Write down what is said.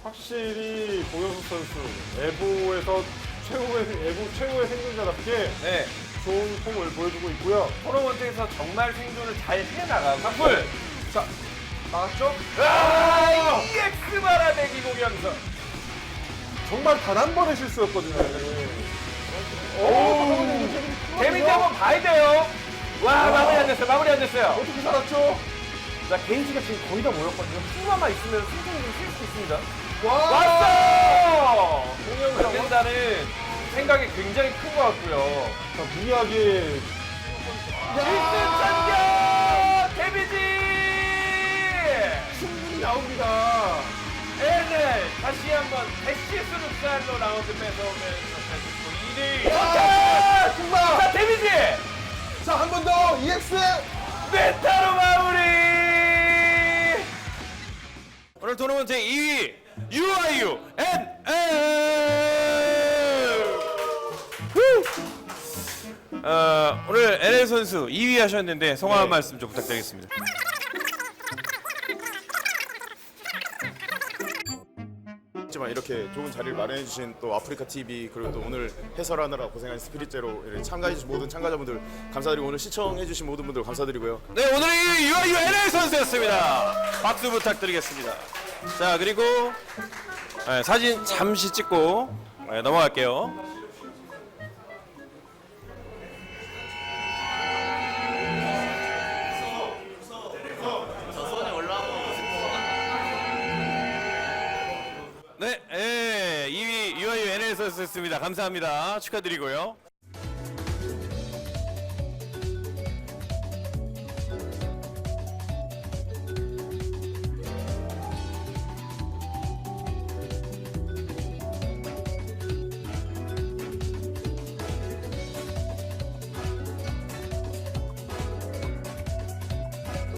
확실히 고영석 선수 에보에서 에보 최고의 생존자답게 네. 좋은 폼을 보여주고 있고요. 토너먼트에서 정말 생존을 잘 해나가고. 탑풀! 자, 나왔죠? 아! EX 바라내기 공연석. 정말 단 한 번의 실수였거든요. 오! 데미지 한번 봐야 돼요. 와, 마무리 안 됐어요. 마무리 안 됐어요. 어떻게 살았죠? 자, 게이지가 지금 거의 다 모였거든요. 수마만 있으면 승부를 쓸 수 있습니다. 와! 왔어! 공연석 된다는 생각이 굉장히 큰 것 같고요. 자, 무리하게 1등 참견! 데미지! 충분히 나옵니다. NL 다시 한번 대시스 룩살로 라운드 뺏어오면서 2대1. 와! 금방! 자, 데미지! 자, 한 번 더 EX! 메타로 마무리! 오늘 토너먼트 2위 UIU NL! 오늘 NL 선수 2위 하셨는데 성화 한 말씀 좀 부탁드리겠습니다. 하지만 이렇게 좋은 자리를 마련해 주신 또 아프리카 TV 그리고 또 오늘 해설하느라 고생한 스피릿제로 참가해 주신 모든 참가자분들 감사드리고 오늘 시청해 주신 모든 분들 감사드리고요. 네, 오늘의 2위 UIU NL 선수였습니다. 박수 부탁드리겠습니다. 자, 그리고 사진 잠시 찍고 넘어갈게요. 네, 2위 UIU NL 선수였습니다. 감사합니다. 축하드리고요.